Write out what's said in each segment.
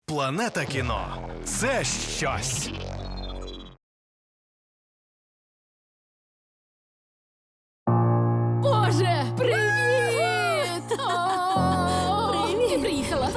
Планета кіно – це щось. Боже, привіт! Привіт! Приїхала.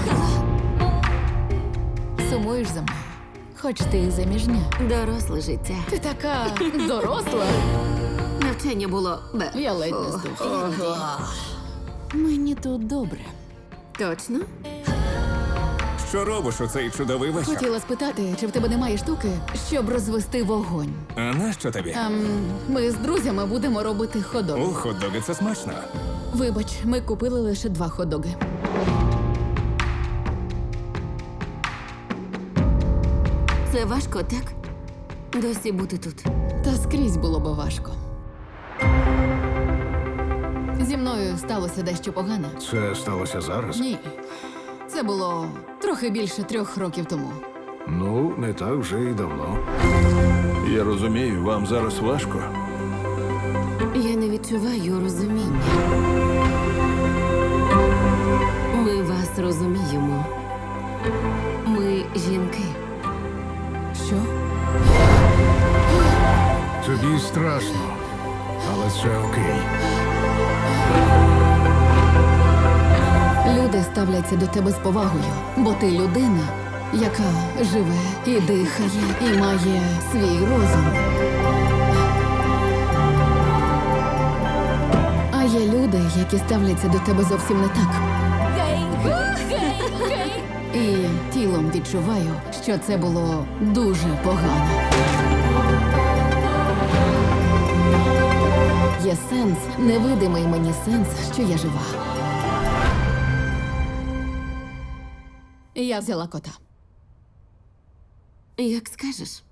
Сумуєш за мною? Хоч ти і заміжня. Доросле життя. Ти така доросла. Навчання було бе. Я ледь не здохла. Мені тут добре. Точно? Що робиш у цей чудовий вечір? Хотіла спитати, чи в тебе немає штуки, щоб розвести вогонь. А нащо тобі? Ми з друзями будемо робити ходок. У хот-доги це смачно. Вибач, ми купили лише 2 ходоги. Це важко, так? Досі бути тут. Та скрізь було би важко. Зі мною сталося дещо погане. Це сталося зараз? Ні. Це було трохи більше 3 років тому. Ну, не так вже й давно. Я розумію, вам зараз важко. Я не відчуваю розуміння. Ми вас розуміємо. Ми жінки. Що? Тобі страшно, але це окей. Люди ставляться до тебе з повагою, бо ти людина, яка живе і дихає, і має свій розум. А є люди, які ставляться до тебе зовсім не так. І тілом відчуваю, що це було дуже погано. Є сенс, невидимий мені сенс, що я жива. І я взяла кота. Як скажеш.